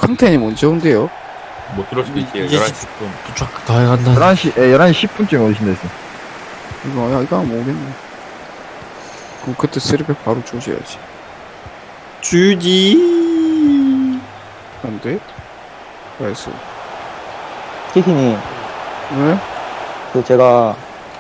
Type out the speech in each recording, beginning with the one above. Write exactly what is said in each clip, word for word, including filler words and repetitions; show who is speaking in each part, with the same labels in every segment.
Speaker 1: 탕텐이 언제 온대요?
Speaker 2: 못 들을 수도 있지.
Speaker 3: 이제
Speaker 2: 열한 시 십 분.
Speaker 3: 도착 다 해간다.
Speaker 4: 열한 시, 예, 열한 시 십 분쯤에 오신다 했어.
Speaker 1: 이거, 야, 이거 안 오겠네. 그럼 그때 쓰리백 바로 조져야지.
Speaker 3: 주지.
Speaker 1: 안 돼? 나이스.
Speaker 5: 키키님,
Speaker 1: 왜?
Speaker 5: 그 제가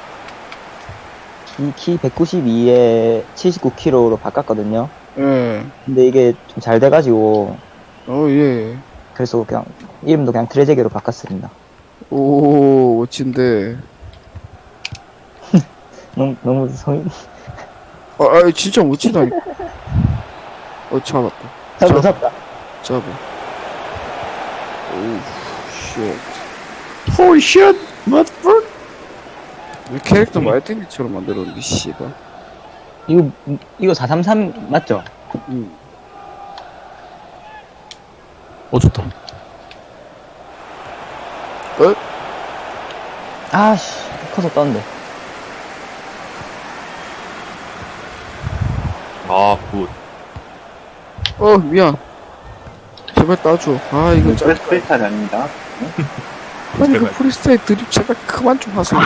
Speaker 5: 키, 키 백구십이에 칠십구 킬로그램로 바꿨거든요.
Speaker 1: 예.
Speaker 5: 근데 이게 좀 잘 돼가지고
Speaker 1: 어, 예.
Speaker 5: 그래서 그냥 이름도 그냥 트레제게로 바꿨습니다.
Speaker 1: 오, 멋진데.
Speaker 5: 너무 너무 성인.
Speaker 1: 아, 아 진짜 멋지다. 어, 잡았다.
Speaker 5: 잡다 잡다.
Speaker 1: 잡아. 오우, 쉣. 홀 쉣! 맛볼! 왜 캐릭터 말땡이처럼 만들었는데, 씨발.
Speaker 5: 이거 이거 사삼삼 맞죠?
Speaker 1: 응.
Speaker 3: 어 좋다.
Speaker 1: 어?
Speaker 5: 아씨 커서 떴는데.
Speaker 2: 아, 굿.
Speaker 1: 어, 미안. 제발 따줘. 아, 이거 짜.
Speaker 6: 프레스페이탈이 아닙니다.
Speaker 1: 아니, 그
Speaker 2: 제발.
Speaker 1: 프리스타일 드립 제발 그만 좀 하세요.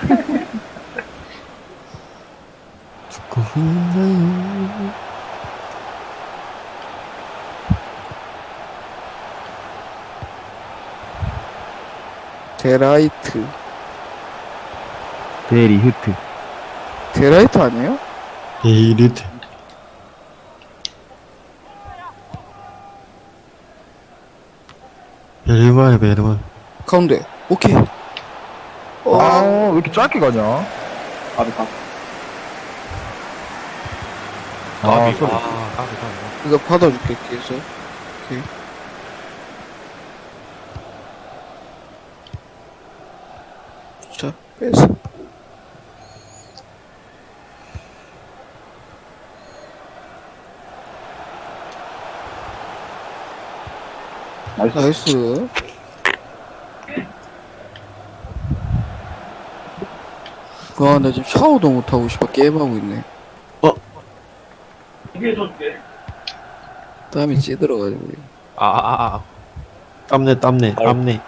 Speaker 3: 듣고 있나요?
Speaker 1: 데라이트.
Speaker 4: 데리 흐트.
Speaker 1: 데라이트 아니에요?
Speaker 3: 데이리트. 베르말 베르말.
Speaker 1: 가운데. 오케이. 어,
Speaker 4: 아, 왜 이렇게 짧게 가냐?
Speaker 6: 바로 가.
Speaker 4: 아,
Speaker 2: 까비.
Speaker 4: 소리.
Speaker 2: 아, 까비, 까비.
Speaker 1: 이거 받아줄게, 뒤에서. 오케이. 자, 빼서.
Speaker 6: 나이스.
Speaker 1: 나이스. 와, 나 지금 샤워도 못하고 싶어. 게임하고 있네.
Speaker 3: 어?
Speaker 1: 땀이 찌들어가지고.
Speaker 2: 아, 아, 아, 아.
Speaker 3: 땀내 땀내 땀내.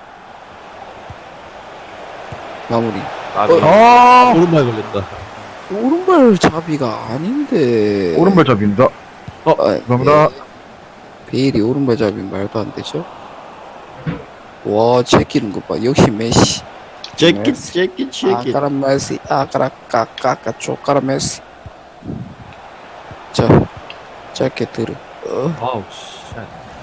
Speaker 1: 마무리.
Speaker 2: 까비.
Speaker 1: 어?
Speaker 4: 아,
Speaker 3: 오른발 걸렸다.
Speaker 1: 오른발 잡이가 아닌데.
Speaker 4: 오른발 잡입니다.
Speaker 1: 아,
Speaker 4: 감사합니다.
Speaker 1: 예. 베일이 오른발 잡이 말도 안 되죠? 와, 제끼는 것 봐. 역시 메시.
Speaker 3: 제끼 제끼 제끼.
Speaker 1: 아까라 메시. 아까라 까까까 쪼까라 메시. 자, 짧게 들어. 어,
Speaker 2: 아우, 씨.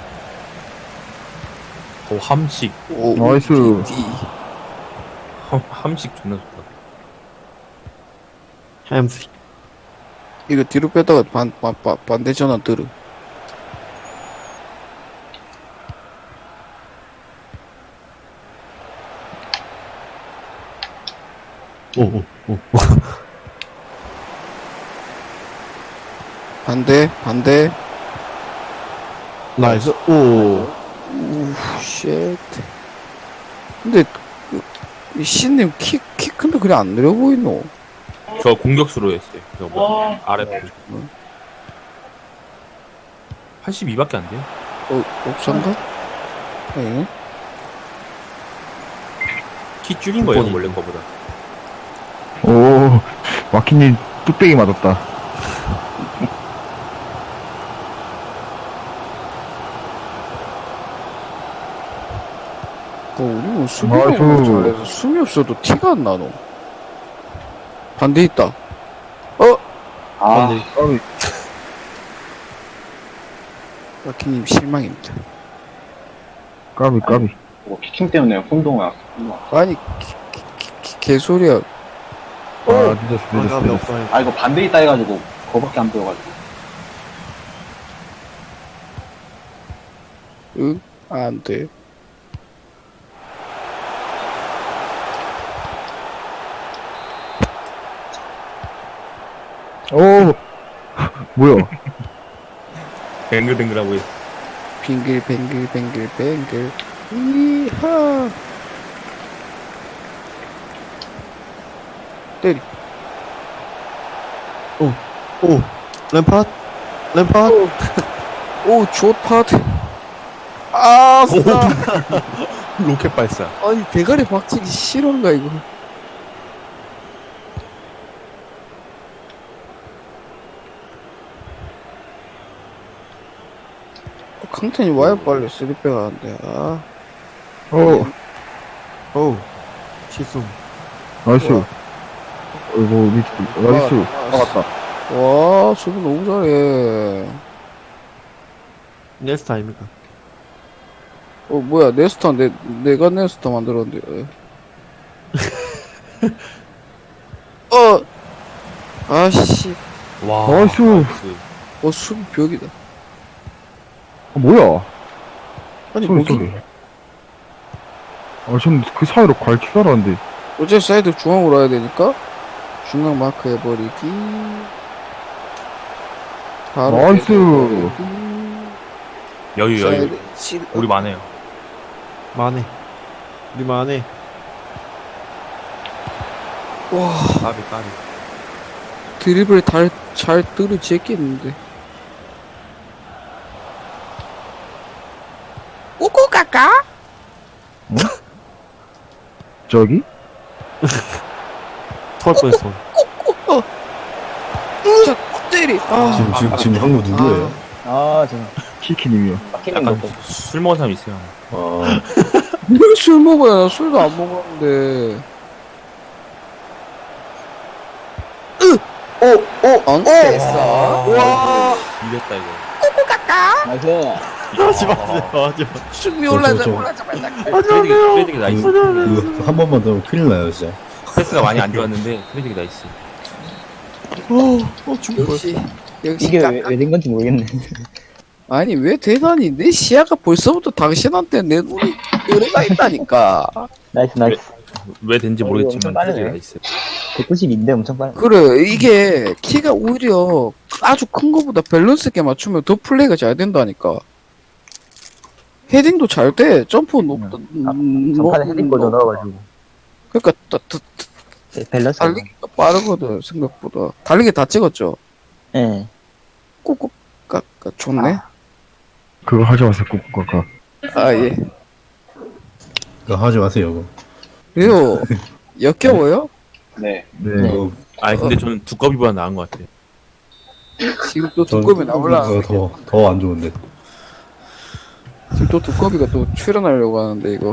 Speaker 2: 오, 함식.
Speaker 1: 오,
Speaker 4: 나이스.
Speaker 1: 디.
Speaker 2: 함, 함식 존나 좋다.
Speaker 3: 햄스.
Speaker 1: 이거 뒤로 빼다가 반, 반, 반, 반대 전환 들어.
Speaker 3: 오오 오.
Speaker 1: 반대, 반대.
Speaker 3: 나이스. 오.
Speaker 1: 우, 쉣. 근데, 그, 이 신님 키, 키 큰데 그래 안 느려 보이노?
Speaker 2: 저 공격수로 했어요. 저 뭐, 아래 팔십이밖에 안 돼요.
Speaker 1: 어, 옵션가? 네.
Speaker 2: 키 줄인 거예요, 원래 거보다.
Speaker 4: 오, 마키님 뚝배기 맞았다.
Speaker 1: 어, 우리 뭐 수비가
Speaker 4: 아이고.
Speaker 1: 너무 잘해서 숨이 없어도 티가 안 나노. 반대 있다. 어?
Speaker 6: 아,
Speaker 3: 근데
Speaker 4: 까비.
Speaker 1: 마키님 실망입니다.
Speaker 4: 까비, 까비.
Speaker 6: 뭐 피킹 때문에 혼동을 왔어. 혼동.
Speaker 1: 아니, 기, 기, 기, 기, 개소리야.
Speaker 4: 아, 늦었어, 늦었어,
Speaker 3: 아깝이
Speaker 4: 늦었어.
Speaker 3: 없어요.
Speaker 6: 아, 이거 반대 있다 해가지고, 그거밖에 안 보여가지고.
Speaker 1: 응? 안 돼.
Speaker 4: 오, 뭐야?
Speaker 2: 뱅글뱅글하고 있어.
Speaker 1: 빙글, 뱅글, 뱅글, 뱅글. 이하. 때리.
Speaker 3: 오. 램파드. 램파드.
Speaker 1: 오, 좋다. 아, 쓰다.
Speaker 2: 로켓 발사.
Speaker 1: 아니, 대가리 박치기 싫은가, 이거. 어, 강탄이 와야 빨리 쓰리백 하는데, 아.
Speaker 4: 어,
Speaker 3: 어우 실수.
Speaker 4: 나이스.
Speaker 1: 우와.
Speaker 4: 어이구, 밑에, 나이스.
Speaker 1: 와,
Speaker 4: 나갔다.
Speaker 1: 와, 수비 너무 잘해.
Speaker 3: 네스타 아닙니까?
Speaker 1: 어, 뭐야, 네스타, 내, 내가 네스타 만들었는데. 어! 아씨,
Speaker 2: 와.
Speaker 4: 나이스.
Speaker 1: 어, 수비 벽이다.
Speaker 4: 어, 뭐야?
Speaker 1: 아니,
Speaker 4: 소리,
Speaker 1: 뭐기,
Speaker 4: 소리. 아, 전 그 사이로 갈 줄 알았는데.
Speaker 1: 어제 사이드 중앙으로 와야 되니까, 중앙 마크 해버리기. 바로
Speaker 4: 나이스.
Speaker 1: 해버리기.
Speaker 2: 여유 여유.
Speaker 1: 사이드 칠-
Speaker 2: 우리 많아요.
Speaker 3: 만해. 우리 만해.
Speaker 1: 와,
Speaker 2: 까비 까비.
Speaker 1: 드리블 달, 잘 떨어지겠는데. 꼬꼬 까까?
Speaker 4: 저기?
Speaker 3: 토할 뻔했어.
Speaker 1: 꼬꼬. 자, 때리. 아,
Speaker 7: 지금 지금 지금 형부 누구예요?
Speaker 5: 아, 저
Speaker 4: 키키님이요.
Speaker 5: 막히는
Speaker 2: 약간
Speaker 5: 거.
Speaker 2: 술 먹은 사람 있어요.
Speaker 7: 아,
Speaker 1: 술 먹어야 나 술도 안 먹었는데. 으! 오! 오! 안 됐어.
Speaker 2: 와. 이겼다 이거.
Speaker 5: 나이스.
Speaker 3: 하지 마세요. 하지 마.
Speaker 1: 숨이
Speaker 7: 저,
Speaker 1: 올라자,
Speaker 7: 저.
Speaker 1: 올라자마자.
Speaker 2: 트레이딩 트레이딩 나이스.
Speaker 7: 이거 한 번만 더 큰일 나요 진짜.
Speaker 2: 패스가 많이 안 좋았는데 트레이딩 나이스.
Speaker 3: 어, 어 죽을 뻔.
Speaker 1: 역시, 역시
Speaker 5: 이게
Speaker 1: 까
Speaker 5: 왜 된 건지 모르겠네.
Speaker 1: 아니, 왜 대단히 내 시야가 벌써부터 당신한테 내 눈이 열애가 있다니까.
Speaker 5: 나이스, 나이스.
Speaker 2: 왜 된지
Speaker 5: 어,
Speaker 2: 모르겠지만
Speaker 5: 엄청 빠르네.
Speaker 2: 트레이딩 나이스.
Speaker 5: 백구십인데 엄청 빠르네.
Speaker 1: 그래, 이게 키가 오히려 아주 큰 거보다 밸런스 있게 맞추면 더 플레이가 잘 된다니까. 헤딩도 잘 돼. 점프 높다. 음,
Speaker 5: 전판에
Speaker 1: 뭐,
Speaker 5: 헤딩 거저 넣어가지고.
Speaker 1: 그러니까 따, 따,
Speaker 5: 밸런스.
Speaker 1: 달리기가 빠르거든, 생각보다. 달리기 다 찍었죠?
Speaker 5: 예.
Speaker 1: 꾹꾹 깎아 좋네.
Speaker 4: 그거 하지 마세요, 꾹꾹
Speaker 1: 아, 예.
Speaker 7: 그거 하지 마세요. 그거.
Speaker 1: 그래요. 역겨워요?
Speaker 6: 네.
Speaker 4: 네.
Speaker 5: 네.
Speaker 7: 그거
Speaker 2: 아니 근데 저는 두꺼비보다 나은 것 같아.
Speaker 1: 지금 또
Speaker 7: 전-
Speaker 1: 두꺼비 나올라.
Speaker 7: 그거 더더 안 좋은데.
Speaker 1: 지금 또 두꺼비가 또 출연하려고 하는데, 이거.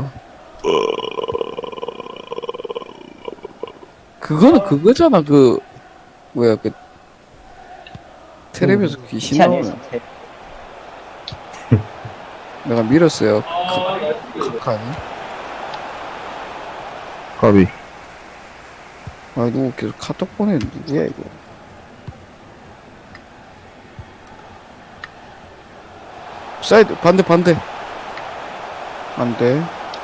Speaker 1: 그거는 그거잖아, 그, 뭐야, 그, 텔레비에서 귀신
Speaker 5: 시 아니에요,
Speaker 1: 나오는.
Speaker 5: 시.
Speaker 1: 내가 밀었어요. 그, 그, 아니?
Speaker 4: 까비.
Speaker 1: 아, 누구 계속 카톡 보내, 누구야, 이거. 사이드, 반대, 반대. 안 돼.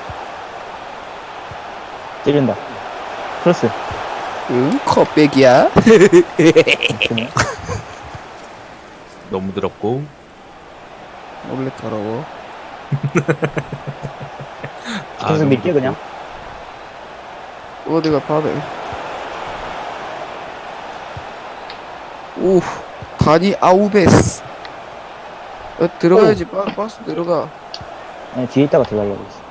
Speaker 5: 찌른다. 크로스.
Speaker 1: 응? 컵백이야?
Speaker 5: 그냥.
Speaker 2: 너무 더럽고.
Speaker 1: 원래 더러워.
Speaker 2: 아,
Speaker 5: 계속
Speaker 2: 너무
Speaker 5: 밀게 그냥.
Speaker 1: 어디가 받아. 오, 다니 아우베스. 어, 들어가야지. 바, 박스 들어가.
Speaker 5: 네, 뒤에 있다가 들어가려고 했어.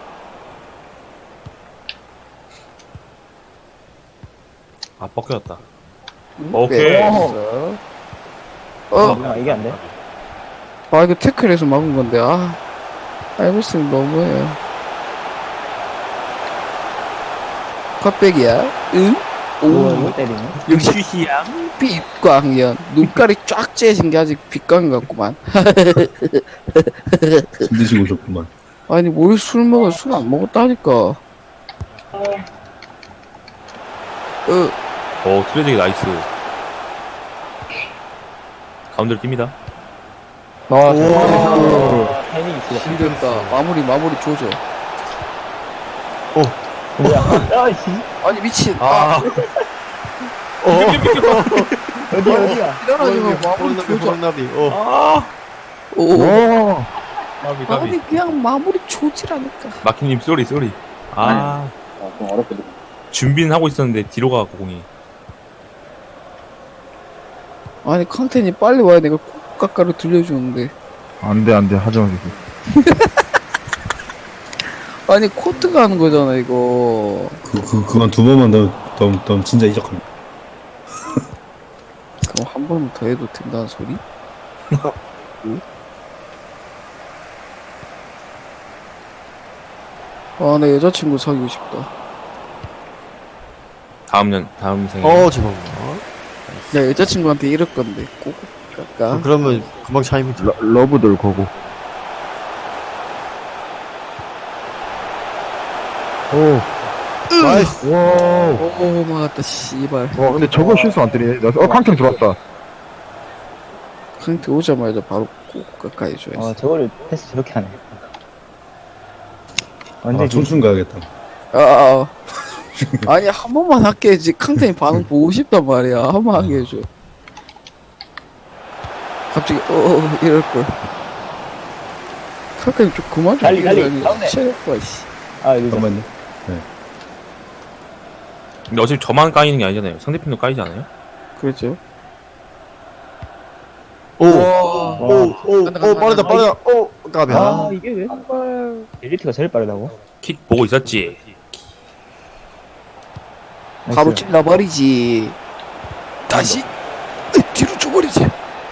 Speaker 2: 아 뻑겨졌다.
Speaker 1: 응?
Speaker 2: 오케이.
Speaker 1: 뺐어. 어,
Speaker 5: 아, 이게 안 돼?
Speaker 1: 아, 이거 태클에서 막은 건데, 아. 알고 있으면 너무해요. 컵백이야? 응?
Speaker 5: 오,
Speaker 1: 오,
Speaker 5: 이거 때리네.
Speaker 1: 역시
Speaker 2: 휴희양.
Speaker 1: 빛광연. 눈깔이 쫙 째진 게 아직 빛광 같구만.
Speaker 7: 술 드시고 오셨구만.
Speaker 1: 아니, 뭘 술 먹어? 술 안 먹었다니까. 어,
Speaker 2: 어 트레이딩 나이스. 가운데로 뜁니다.
Speaker 5: 와,
Speaker 1: 오.
Speaker 5: 타이밍 있어.
Speaker 1: 힘들다. 마무리, 마무리 조져.
Speaker 5: 뭐야? 아이씨.
Speaker 1: 아니, 미친. 아,
Speaker 2: 아.
Speaker 5: 어디, 어디야?
Speaker 1: 일어나지마, 마무리
Speaker 3: 호랑나비
Speaker 1: 조져.
Speaker 3: 호랑나비. 어.
Speaker 1: 오,
Speaker 4: 와,
Speaker 2: 까비 까비.
Speaker 1: 아니, 그냥 마무리 조지라니까.
Speaker 2: 마키님 쏘리 쏘리. 아
Speaker 6: 어, 좀 어렵게 되
Speaker 2: 준비는 하고 있었는데 뒤로 가고 공이.
Speaker 1: 아니, 컨텐이 빨리 와야 내가 꾹 깎아로 들려주는데.
Speaker 4: 안 돼, 안 돼, 하지 마세요.
Speaker 1: 아니 코트가 하는 거잖아 이거.
Speaker 7: 그, 그, 그만 두 번만 더, 더, 더 진짜 이적합니다.
Speaker 1: 그럼 한 번 더 해도 된다는 소리? 아, 내 여자친구 사귀고 싶다.
Speaker 2: 다음 년 다음 생에.
Speaker 3: 어 죄송합니다.
Speaker 1: 야, 여자친구한테 이럴 건데 꼭 깎아.
Speaker 3: 어, 그러면 금방 차이면 돼.
Speaker 4: 러, 러브들 거고. 오,
Speaker 3: 나이스.
Speaker 4: 와우.
Speaker 1: 오, 막았다, 씨발.
Speaker 4: 와, 근데 저거 실수 안 때리네. 나- 어, 캉탱 들어왔다.
Speaker 1: 상태 오자마자 바로 꼭 깎아 해줘야지.
Speaker 5: 어, 저거를 패스 저렇게 하네.
Speaker 7: 아,
Speaker 5: 완전
Speaker 7: 춤춘 가야겠다.
Speaker 1: 아, 아, 아. 아니, 한 번만 할게 해야지. 캉탱이 반응 보고 싶단 말이야. 한 번 하게 해줘. 갑자기, 어, 어 이럴걸. 캉탱이 좀 그만 좀
Speaker 5: 달리, 달리.
Speaker 1: 뛰어다니.
Speaker 5: 가운데.
Speaker 1: 체력과, 씨.
Speaker 5: 아, 이거
Speaker 7: 잠깐만요.
Speaker 2: 근데 어차피 저만 까이는 게 아니잖아요. 상대편도 까이지 않아요?
Speaker 1: 그렇죠.
Speaker 3: 오.
Speaker 1: 와.
Speaker 3: 오, 오,
Speaker 1: 간다, 간다,
Speaker 3: 오, 빠르다,
Speaker 1: 간다.
Speaker 3: 빠르다. 오, 까비.
Speaker 5: 아,
Speaker 3: 아,
Speaker 5: 이게 왜? 엘리트가 제일 빠르다고?
Speaker 2: 킥 보고 있었지.
Speaker 1: 바로
Speaker 5: 나이스.
Speaker 1: 찔러버리지. 다시 뒤로 줘버리지.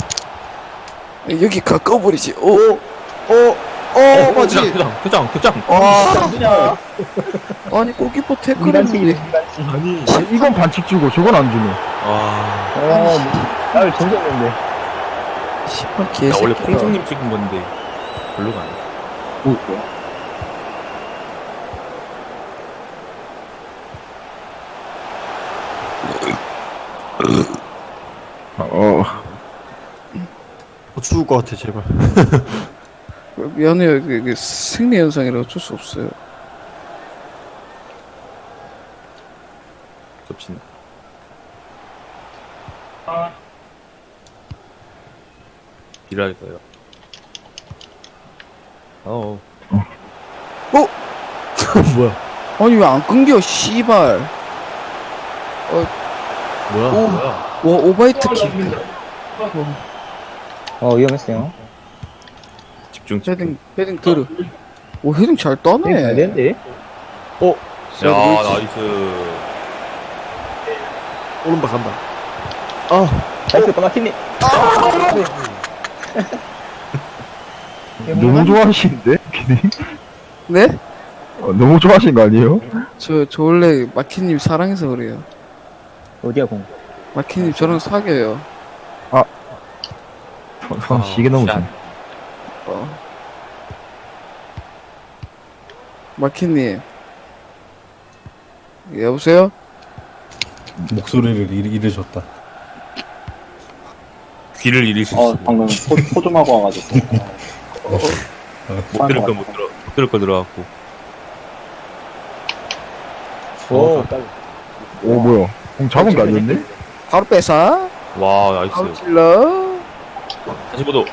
Speaker 1: 여기 가까워버리지. 오,
Speaker 3: 오, 오, 오, 맞지?
Speaker 2: 표정, 표정, 표정, 표정.
Speaker 3: 와,
Speaker 5: 그냥
Speaker 1: 아니 골키퍼
Speaker 5: 인간치,
Speaker 1: 태클했는데.
Speaker 5: 인간치.
Speaker 3: 아니,
Speaker 4: 아니, 이건 반칙 주고 저건 안 주네.
Speaker 2: 와.
Speaker 5: 어, 나를 정졌는데.
Speaker 1: 씨발
Speaker 2: 나
Speaker 1: 개새끼.
Speaker 2: 원래 콩성님 찍은 건데 별로 가네.
Speaker 4: 어,
Speaker 3: 어, 죽을 것 같아, 제발.
Speaker 1: 미안해요. 이게, 이게 생리 현상이라 어쩔 수 없어요.
Speaker 2: 겹친다. 일할 거예요. 어.
Speaker 3: 뭐야?
Speaker 1: 아니 왜 안 끊겨? 씨발.
Speaker 3: 뭐야?
Speaker 1: 오,
Speaker 2: 뭐야?
Speaker 1: 와 오바이트 킥.
Speaker 5: 어, 위험했어요.
Speaker 2: 집중 집중.
Speaker 1: 헤딩 헤딩 들어. 오 헤딩 잘 따네.
Speaker 5: 네, 잘 되는데?
Speaker 2: 야 나이스.
Speaker 3: 오른발 간다. 아,
Speaker 5: 나이스, 까마키님.
Speaker 4: 너무 좋아하시는데? 피디?
Speaker 1: 네?
Speaker 4: 어, 너무 좋아하신 거 아니에요?
Speaker 1: 저, 저 원래 마키님 사랑해서 그래요.
Speaker 5: 어디야, 공?
Speaker 1: 마키님 저랑 사귀어요.
Speaker 4: 선 시계 넘으시
Speaker 2: 샷.
Speaker 1: 어. 마키님. 여보세요?
Speaker 7: 목소리를 잃, 잃으셨다.
Speaker 2: 귀를 잃으실 수
Speaker 6: 어,
Speaker 2: 있어.
Speaker 6: 방금 포, 포 좀 하고 와가지고.
Speaker 2: 못 들을 거못 들어. 못 들을 거 들어갖고.
Speaker 5: 오, 까비.
Speaker 4: 오, 뭐야. 공 잡은 거 아니었네?
Speaker 1: 바로 뺏어.
Speaker 2: 와
Speaker 1: 바로
Speaker 2: 나이스.
Speaker 1: 찔러.
Speaker 2: 사십오 도.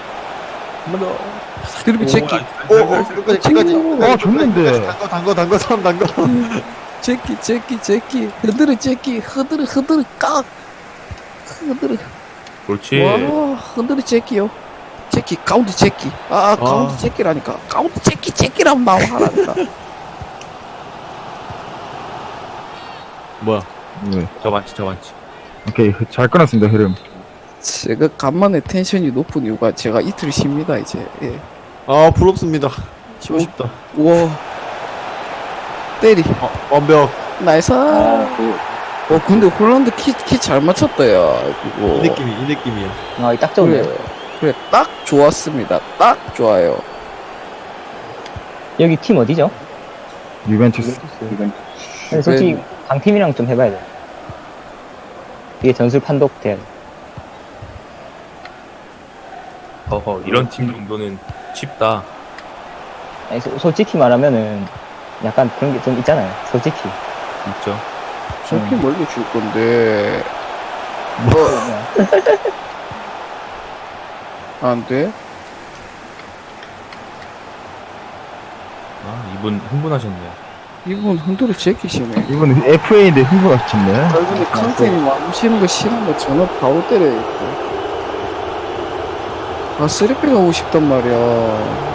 Speaker 1: 드리블 제끼.
Speaker 3: 오, 오, 끝까지, 끝까지.
Speaker 4: 아, 좋는데.
Speaker 3: 단거, 단거, 단거, 사람 단거.
Speaker 1: 제끼, 제끼, 제끼. 흐드르 제끼. 흐드르, 흐드르 깍. 흐드르.
Speaker 2: 그렇지.
Speaker 1: 와, 흔들이 제끼요. 제끼, 가운데 제끼. 아, 가운데 제끼라니까. 가운데 제끼, 제끼라면 나와 하라니까.
Speaker 3: 뭐야?
Speaker 4: 네.
Speaker 2: 저 반치 저 반치.
Speaker 4: 오케이, 잘 끊었습니다, 흐름.
Speaker 1: 제가 간만에 텐션이 높은 이유가 제가 이틀 쉽니다, 이제. 예.
Speaker 3: 아, 부럽습니다. 치고 싶다.
Speaker 1: 우와. 때리.
Speaker 3: 어, 완벽.
Speaker 1: 나이스.
Speaker 6: 아, 그,
Speaker 1: 어, 근데 홀란드 키, 키 잘 맞췄다, 야. 그거.
Speaker 3: 이 느낌이, 이 느낌이야.
Speaker 5: 아, 딱 좋네.
Speaker 1: 그래, 그래, 딱 좋았습니다. 딱 좋아요.
Speaker 5: 여기 팀 어디죠?
Speaker 4: 유벤투스.
Speaker 6: 이건
Speaker 5: 근데 솔직히 강팀이랑 좀 해봐야 돼. 이게 전술 판독돼야 돼.
Speaker 2: 어허 이런 팀 정도는 쉽다.
Speaker 5: 아니, 소, 솔직히 말하면은 약간 그런 게 좀 있잖아요. 솔직히.
Speaker 2: 있죠.
Speaker 1: 저렇게 멀리 줄 건데.
Speaker 5: 그냥
Speaker 1: 안 돼?
Speaker 2: 아 이분 흥분하셨네요.
Speaker 1: 이분 흔들어 제끼시네.
Speaker 4: 이분 에프에이인데 흥분하셨네.
Speaker 1: 얼굴에 컨텐이 맘치는 거 싫은 거 전화 바로 때려야겠다. 아, 쓰리백 하고 싶단 말이야.